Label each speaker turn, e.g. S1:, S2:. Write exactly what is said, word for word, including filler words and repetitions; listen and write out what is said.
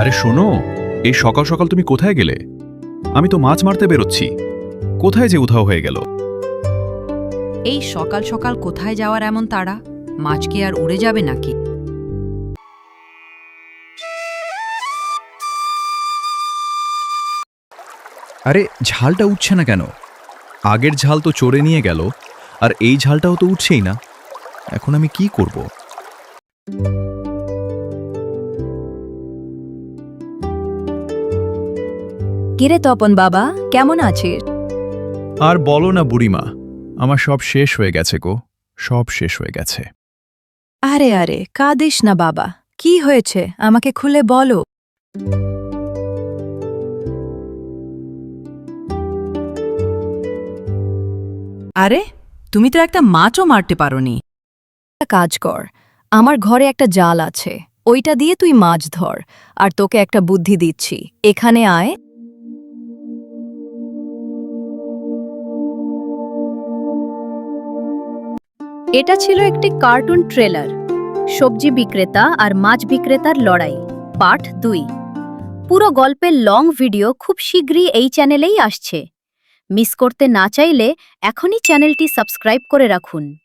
S1: আরে শোনো, এই সকাল সকাল তুমি কোথায় গেলে? আমি তো মাছ মারতে বেরোচ্ছি। কোথায় যে উধাও হয়ে গেল?
S2: এই সকাল সকাল কোথায় যাওয়ার এমন তাড়া? মাছ কি আর উড়ে যাবে নাকি?
S1: আরে ঝালটা উঠছে না কেন? আগের ঝাল তো চড়ে নিয়ে গেল, আর এই ঝালটাও তো উঠছেই না। এখন আমি কি করব?
S3: কিরে তপন বাবা, কেমন আছিস?
S1: আর বলো না বুড়িমা, আমার সব শেষ হয়ে গেছে গো, সব শেষ হয়ে গেছে।
S3: আরে আরে কাঁদিস না বাবা, কি হয়েছে আমাকে খুলে বলো।
S2: আরে তুমি তো একটা মাছও মারতে পারোনি।
S3: একটা কাজ কর, আমার ঘরে একটা জাল আছে, ওইটা দিয়ে তুই মাছ ধর। আর তোকে একটা বুদ্ধি দিচ্ছি, এখানে আয়। এটা ছিল একটি কার্টুন ট্রেলার, সবজি বিক্রেতা আর মাছ বিক্রেতার লড়াই, পার্ট দুই। পুরো গল্পের লং ভিডিও খুব শীঘ্রই এই চ্যানেলেই আসছে। মিস করতে না চাইলে এখনই চ্যানেলটি সাবস্ক্রাইব করে রাখুন।